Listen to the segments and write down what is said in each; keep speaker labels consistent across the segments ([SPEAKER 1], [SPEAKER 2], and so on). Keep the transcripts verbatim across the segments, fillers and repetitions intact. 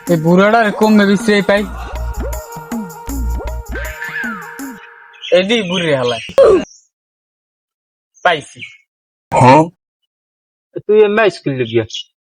[SPEAKER 1] এই বুড়াটার কমবে বেশি পাই এদি বুড়ি হালায় পাইছি।
[SPEAKER 2] তুই এমনি স্কুল গিয়া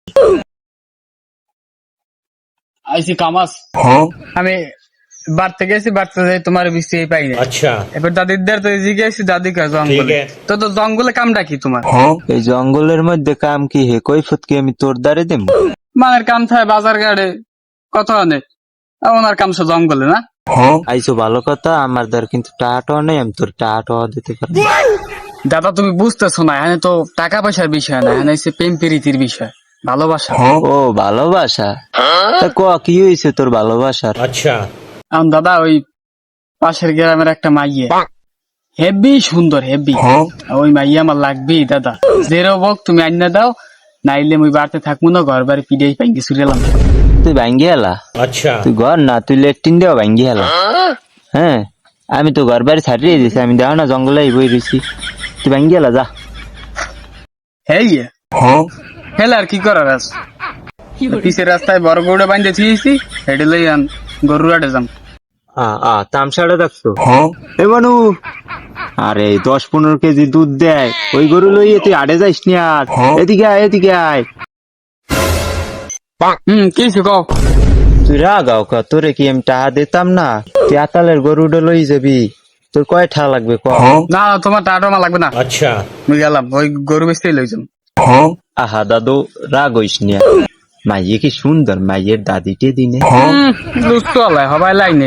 [SPEAKER 1] আইসি কামাস আমি বাড়তে গেছি বাড়তে যাই তোমার বেশি পাই না।
[SPEAKER 3] अच्छा
[SPEAKER 1] এবার দাদিদার তো জিজ্ঞাসি দাদি কা জঙ্গলে তো তো জঙ্গলে কামটা কি তোমার?
[SPEAKER 2] এই জঙ্গলের মধ্যে কাম কি হে কৈফত কি আমি তোর দ্বারে দেব?
[SPEAKER 1] মানের কাম থাকে বাজার ঘাটে কত অনেক ওনার কাম সব জঙ্গলে না।
[SPEAKER 2] আইসো ভালো কথা, আমার দ্বার কিন্তু টাকা নেই, আমি তোর টাকা দিতে পারবো।
[SPEAKER 1] দাদা তুমি বুঝতেছো না, এখানে তো টাকা পয়সার বিষয় না, এখানে হচ্ছে প্রেম প্রীতির বিষয়, ভালোবাসা।
[SPEAKER 2] ও ভালোবাসা, তা ক কি হয়েছে তোর ভালোবাসার?
[SPEAKER 3] अच्छा
[SPEAKER 1] এখন দাদা ওই পাশের গ্রামের একটা মাইয়ে হেভি সুন্দর হেভি, ওই মাইয়া আমার লাগবেই দাদা, যেরো বক তুমি আইনা দাও, নাইলে মুই বাড়তে থাকবো না, ঘর বাড়ি পিড়ে পাই কিছু গেলাম।
[SPEAKER 2] তুই ভাঙ্গি এলা?
[SPEAKER 3] अच्छा
[SPEAKER 2] তুই ঘর না, তুই লেট্রিন দেওয়া ভাঙ্গি এলা। হ্যাঁ আমি তো ঘর বাড়ি ছাড়িয়ে দিছি, আমি দেখো না জঙ্গলে বই রয়েছি, তুই ভাঙ্গি এলা যা।
[SPEAKER 1] হেই হেলে আর কি করার আছে, পিছের রাস্তায় বড় গরুটা বাঁধে থিয়েছি, হেঁটে লই আন গরু আটে যাম।
[SPEAKER 2] তামসাটা দেখছো? এ মানু, আরে দশ পনেরো কেজি দুধ দেয়, ওই গরু লইয়ে তুই আড়ে যাইস নি আর। এদিকে আয় এদিকে আয়।
[SPEAKER 1] হম কি কও?
[SPEAKER 2] তুই রাগাও কা, তোরে কি আমি টাকা দিতাম না? তুই আতালের গরুটা লই যাবি, তোর কয় টাকা লাগবে ক?
[SPEAKER 1] না তোমার টাটা আমার লাগবে না,
[SPEAKER 3] अच्छा
[SPEAKER 1] মুই গেলাম ওই গরু বেচতেই লই যাম।
[SPEAKER 2] আহা দাদু রাগ হইস নি, মাইয়ে কি সুন্দর, মাইয়ের দাদিটে দিনে।
[SPEAKER 1] দুষ্ট হলাই হবাই লাই নেই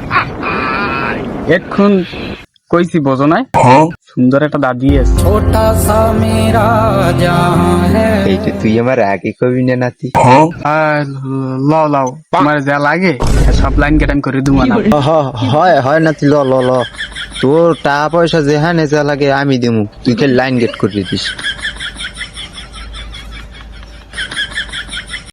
[SPEAKER 1] এখন কইছি বোঝো নাই, সুন্দর একটা দাদি আছে।
[SPEAKER 2] এইটা তুই আমার আগে কবি না নাতি।
[SPEAKER 1] আর লাও লাও তোমার যা লাগে সব লাইন কেটাম করে দিব না।
[SPEAKER 2] হ- হয় হয় নাতি, ল ল ল, তোর টাকা পয়সা যেখানে যা লাগে আমি দিমু, তুই কে লাইন গেট করে দিস।